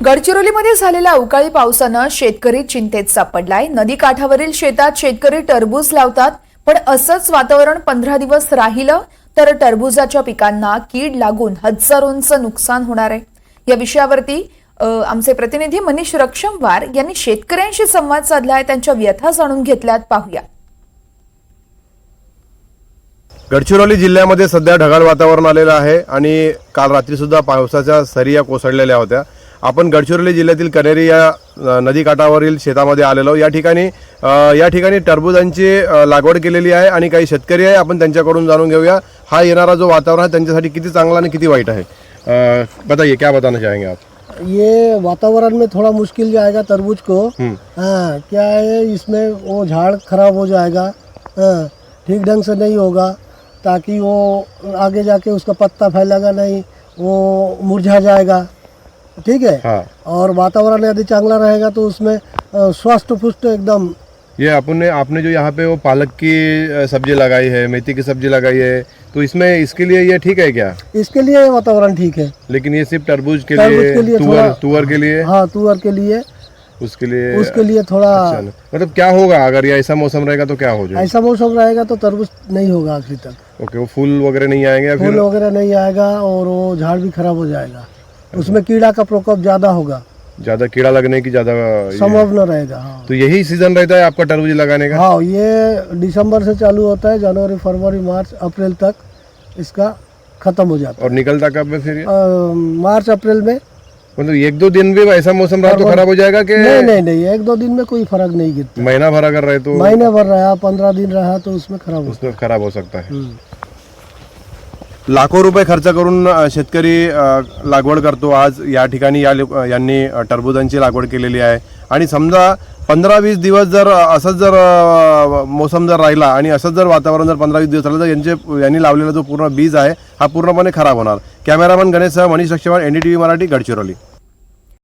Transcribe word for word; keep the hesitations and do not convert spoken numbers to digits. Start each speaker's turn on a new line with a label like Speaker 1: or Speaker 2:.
Speaker 1: गडचिरोलीमध्ये झालेल्या अवकाळी पावसानं शेतकरी चिंतेत सापडलाय। नदी काठावरील शेतात शेतकरी टरबूज लावतात, पण असंच वातावरण पंधरा दिवस राहिलं तर टरबूजाच्या पिकांना कीड लागून हजारोंचं नुकसान होणार आहे। या विषयावरती आमचे प्रतिनिधी मनीष रक्षमवार यांनी शेतकऱ्यांशी संवाद साधलाय, त्यांच्या व्यथा जाणून घेतल्यात, पाहूया।
Speaker 2: गडचिरोली जिल्ह्यामध्ये सध्या ढगाळ वातावरण आलेलं आहे आणि काल रात्री सुद्धा पावसाच्या सरिया कोसळलेल्या होत्या। आपण गडचिरोली जिल्ह्यातील कनेरी या नदी काठावरील शेतामध्ये आलेलो। या ठिकाणी या ठिकाणी टरबूजांची लागवड केलेली आहे आणि काही शेतकरी आहे, आपण त्यांच्याकडून जाणून घेऊया हा येणारा जो वातावरण आहे त्यांच्यासाठी किती चांगला आणि किती वाईट आहे। बताइए, क्या बताना चाहेंगे आप?
Speaker 3: ये वातावरण में थोड़ा मुश्किल जाएगा तरबूज को। हाँ, क्या है इसमें वो झाड़ खराब हो जाएगा, हाँ, ठीक ढंग से नहीं होगा, ताकि वो आगे जाके उसका पत्ता फैलेगा नहीं, वो मुरझा जाएगा। ठीक है।
Speaker 2: हाँ।
Speaker 3: और वातावरण यदि चांगला रहेगा तो उसमें स्वस्थ पुष्ट एकदम।
Speaker 2: ये आपने आपने जो यहाँ पे वो पालक की सब्जी लगाई है, मेथी की सब्जी लगाई है, तो इसमें इसके लिए ये ठीक है क्या?
Speaker 3: इसके लिए वातावरण ठीक है,
Speaker 2: लेकिन ये सिर्फ तरबूज के
Speaker 3: तरबूज
Speaker 2: लिए,
Speaker 3: के लिए
Speaker 2: तुअर
Speaker 3: थोड़ा-
Speaker 2: तुअर के लिए,
Speaker 3: हाँ तुअर के लिए,
Speaker 2: उसके लिए
Speaker 3: उसके लिए थोड़ा
Speaker 2: अच्छा, मतलब क्या होगा अगर ये ऐसा मौसम रहेगा तो क्या हो जाएगा?
Speaker 3: ऐसा मौसम रहेगा तो तरबूज नहीं होगा आखिर तक।
Speaker 2: ओके, वो फूल वगैरह नहीं आएंगे या
Speaker 3: फूल
Speaker 2: फिर
Speaker 3: वगैरह नहीं आएगा और वो झाड़ भी खराब हो जाएगा। उसमें कीड़ा का प्रकोप ज्यादा होगा,
Speaker 2: ज्यादा कीड़ा लगने की ज्यादा ये-
Speaker 3: संभावना रहेगा। हाँ।
Speaker 2: तो यही सीजन रहता है आपका तरबूज लगाने का?
Speaker 3: हाँ, ये दिसंबर से चालू होता है, जनवरी फरवरी मार्च अप्रैल तक इसका खत्म हो जाता
Speaker 2: और निकलता कब है फिर ये?
Speaker 3: है। अ, मार्च अप्रैल में।
Speaker 2: मतलब एक दो दिन भी ऐसा मौसम रहा तो खराब हो जाएगा कि
Speaker 3: नहीं नहीं नहीं, एक दो दिन में कोई फर्क नहीं गिरता।
Speaker 2: महीना भर अगर रहे तो
Speaker 3: महीने भर रहा, पंद्रह दिन रहा तो उसमें खराब हो
Speaker 2: उसमें खराब हो सकता है।
Speaker 3: हम्म।
Speaker 2: लाखो रुपये खर्च करून अ, शेतकरी अ, लागवड करतो। आज या ठिकाणी या लोक- यांनी अ, टरबूजांची लागवड केलेली आहे आणि समजा पंधरा वीस दिवस जर असंच जर अ, मोसम जर राहिला आणि असंच जर वातावरण जर पंधरा वीस दिवस राहिलं तर यांचे यांनी लावलेला जो पूर्ण बीज आहे हा पूर्णपणे खराब होणार। कॅमेरामन गणेशसह Manish Rakshamwar, N D T V Marathi, Gadchiroli.